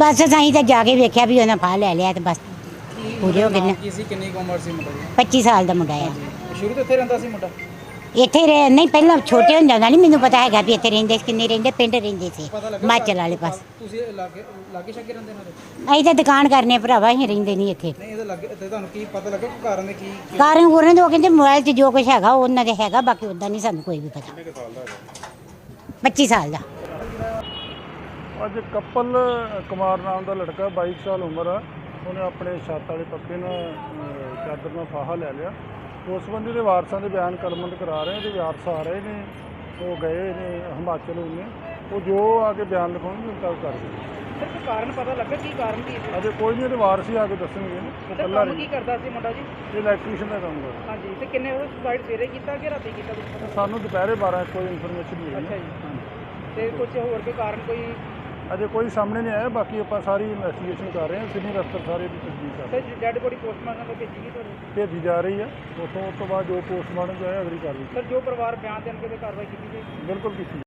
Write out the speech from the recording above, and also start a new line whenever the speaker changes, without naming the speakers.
बस असीं तो जाके वेख्या भी उन्हें फाह लै लिया तो बस पूरे हो गए।
किन्नी उम्र सी मुंडे दी?
25 साल का मुंडा आ।
शुरू तो इत्थे रहिंदा सी मुंडा?
ਇੱਥੇ ਰਹਿ ਨਹੀਂ ਪਹਿਲਾਂ ਛੋਟੇ ਹੁੰਦਿਆਂ ਦਾ ਨਹੀਂ ਮੈਨੂੰ ਪਤਾ ਹੈਗਾ ਵੀ ਇੱਥੇ ਰਹਿੰਦੇ ਸੀ ਕਿੰਨੇ ਰਹਿੰਦੇ ਪਿੰਡ ਰਹਿੰਦੇ ਸੀ ਹਿਮਾਚਲ ਵਾਲੇ ਪਾਸ।
ਤੁਸੀਂ ਲਾਗੇ ਛਾਗੇ ਰਹਿੰਦੇ ਨਾਲ?
ਅਸੀਂ ਤਾਂ ਦੁਕਾਨ ਕਰਨੇ ਭਰਾਵਾ ਅਸੀਂ ਰਹਿੰਦੇ ਨਹੀਂ ਇੱਥੇ।
ਨਹੀਂ ਇਹਦੇ ਲੱਗੇ ਤੇ ਤੁਹਾਨੂੰ ਕੀ ਪਤਾ ਲੱਗਾ ਕਿ ਕਾਰਨ ਕੀ?
ਕਾਰਨ ਉਹਨਾਂ ਦੇ ਉਹ ਕਹਿੰਦੇ ਮੋਬਾਈਲ 'ਚ ਜੋ ਕੁਝ ਹੈਗਾ ਉਹਨਾਂ ਦੇ ਹੈਗਾ ਬਾਕੀ ਉਦਾਂ ਨਹੀਂ ਸਾਨੂੰ ਕੋਈ ਵੀ ਪਤਾ। 25 ਸਾਲ ਦਾ।
ਅੱਜ ਕਪਲ ਕੁਮਾਰ ਨਾਮ ਦਾ ਲੜਕਾ 22 ਸਾਲ ਉਮਰ ਆ, ਉਹਨੇ ਆਪਣੇ ਛੱਤ ਵਾਲੇ ਪੱਕੇ ਨਾਲ ਚਾਦਰ ਨਾਲ ਫਾਹਾ ਲੈ ਲਿਆ। ਉਸ ਸੰਬੰਧੀ ਦੇ ਵਾਰਸਾਂ ਦੇ ਬਿਆਨ ਕਲਮਬੰਦ ਕਰਾ ਰਹੇ ਤੇ ਵਾਰਸ ਆ ਰਹੇ ਨੇ, ਉਹ ਗਏ ਨੇ ਹਿਮਾਚਲ ਉਹਨੇ, ਉਹ ਜੋ ਆ ਕੇ ਬਿਆਨ ਲਿਖਾਉਣਗੇ ਉਹ ਕਰ ਦੇਣਗੇ।
ਸਰ ਕੋਈ ਕਾਰਨ ਪਤਾ ਲੱਗਾ ਕੀ ਕਾਰਨ ਕੀ ਹੈ?
ਅਜੇ ਕੋਈ ਨਹੀਂ, ਇਹਦੇ ਵਾਰਸ ਹੀ ਆ ਕੇ ਦੱਸਣਗੇ। ਉਹ ਇਕੱਲਾ
ਕੀ ਕਰਦਾ ਸੀ ਮੁੰਡਾ ਜੀ?
ਇਹ ਇਲੈਕਟ੍ਰੀਸ਼ੀਅਨ ਦਾ ਕੰਮ ਕਰਦਾ।
ਹਾਂਜੀ ਤੇ ਕਿੰਨੇ ਉਹ ਸੁਸਾਈਡ ਸਵੇਰੇ ਕੀਤਾ ਕਿ ਰਾਤੀ ਕੀਤਾ ਕੁਝ ਪਤਾ?
ਸਾਨੂੰ ਦੁਪਹਿਰੇ 12 ਕੋਈ ਇਨਫੋਰਮੇਸ਼ਨ ਨਹੀਂ
ਅੱਛਾ
ਮਿਲੀ।
ਜੀ ਤੇ ਕੁਝ ਹੋਰ ਕੋਈ ਕਾਰਨ ਕੋਈ?
ਅਜੇ ਕੋਈ ਸਾਹਮਣੇ ਨਹੀਂ ਆਇਆ, ਬਾਕੀ ਆਪਾਂ ਸਾਰੀ ਇਨਵੈਸਟੀਗੇਸ਼ਨ ਕਰ ਰਹੇ ਹਾਂ। ਸੀਨੀਅਰ ਅਫਸਰ ਸਾਰੇ ਦੀ ਤਸਦੀਕ ਕਰ ਰਹੇ
ਸਰ ਡੈਡ ਬੋਡੀ ਪੋਸਟਮਾਰਟਮ ਤੋਂ ਭੇਜੀ ਗਈ ਤੁਹਾਨੂੰ?
ਭੇਜੀ ਜਾ ਰਹੀ ਹੈ। ਉਸ ਤੋਂ ਬਾਅਦ ਜੋ ਪੋਸਟਮਾਰਟਮ ਜਾਏ ਅਗਲੀ ਕਾਰਵਾਈ
ਸਰ ਜੋ ਪਰਿਵਾਰ ਬਿਆਨ ਦੇਣਗੇ ਤੇ ਕਾਰਵਾਈ ਕੀਤੀ ਜਾਏਗੀ?
ਬਿਲਕੁਲ ਕੀਤੀ